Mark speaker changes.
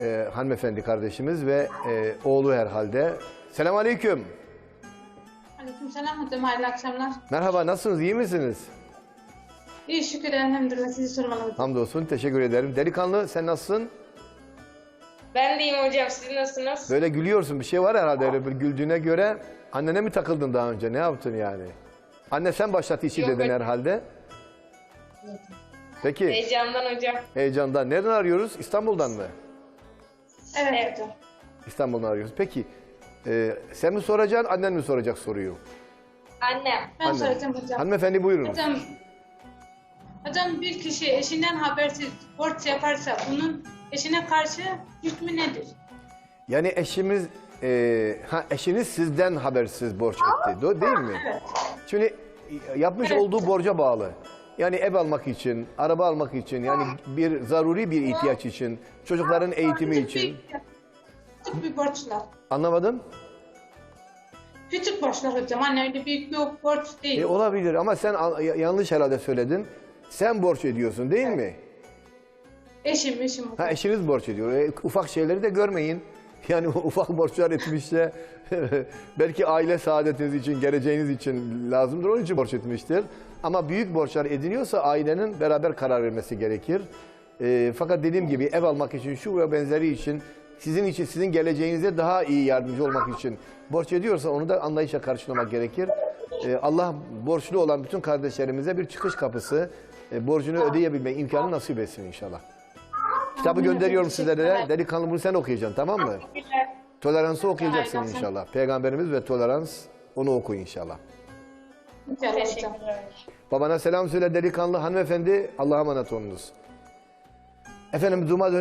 Speaker 1: hanımefendi kardeşimiz ve oğlu herhalde. Selamünaleyküm.
Speaker 2: Aleykümselam hocam, hayırlı akşamlar.
Speaker 1: Merhaba, nasılsınız, iyi misiniz?
Speaker 2: İyi şükür elhamdülillah, sizi sormalı hocam.
Speaker 1: Hamdolsun, teşekkür ederim. Delikanlı, sen nasılsın?
Speaker 3: Ben de iyiyim hocam. Siz nasılsınız?
Speaker 1: Böyle gülüyorsun, bir şey var herhalde öyle bir güldüğüne göre. Annene mi takıldın daha önce, ne yaptın yani? Anne sen başlat işi
Speaker 3: Yok,
Speaker 1: dedin
Speaker 3: hocam.
Speaker 1: herhalde. Peki,
Speaker 3: Heyecandan hocam.
Speaker 1: heyecandan. Nereden arıyoruz? İstanbul'dan mı?
Speaker 2: Evet hocam.
Speaker 1: İstanbul'dan arıyoruz. Peki, sen mi soracaksın, annen mi soracak soruyu?
Speaker 3: Annem.
Speaker 2: Ben
Speaker 1: Anne.
Speaker 2: soracağım hocam.
Speaker 1: Hanımefendi buyurun.
Speaker 2: Hocam bir kişi eşinden habersiz borç yaparsa bunun eşine karşı hükmü nedir?
Speaker 1: Yani eşiniz sizden habersiz borç etti, değil mi?
Speaker 2: Evet.
Speaker 1: Şimdi yapmış
Speaker 2: Evet.
Speaker 1: olduğu borca bağlı. Yani ev almak için, araba almak için, yani bir zaruri bir ihtiyaç için, çocukların eğitimi için.
Speaker 2: Küçük bir borçlar.
Speaker 1: Anlamadım.
Speaker 2: Küçük borçlar hocam. Anne öyle büyük bir borç değil.
Speaker 1: Olabilir ama sen yanlış herhalde söyledin. Sen borç ediyorsun değil mi?
Speaker 2: Eşim hocam.
Speaker 1: Ha, eşiniz borç ediyor. Ufak şeyleri de görmeyin. Yani ufak borçlar etmişse belki aile saadetiniz için, geleceğiniz için lazımdır. Onun için borç etmiştir. Ama büyük borçlar ediniyorsa ailenin beraber karar vermesi gerekir. Fakat dediğim gibi ev almak için, şu ve benzeri için, sizin için, sizin geleceğinize daha iyi yardımcı olmak için borç ediyorsa onu da anlayışla karşılamak gerekir. Allah borçlu olan bütün kardeşlerimize bir çıkış kapısı, borcunu ödeyebilme imkanı nasip etsin inşallah. Kitabı gönderiyorum sizlere. Delikanlı, bunu sen okuyacaksın, tamam mı?
Speaker 3: Teşekkürler.
Speaker 1: Toleransı okuyacaksın inşallah. Peygamberimiz ve tolerans, onu oku inşallah.
Speaker 2: İnşallah hocam.
Speaker 3: Teşekkürler.
Speaker 1: Babana selam söyle delikanlı hanımefendi. Allah'a emanet olunuz. Efendim, Duma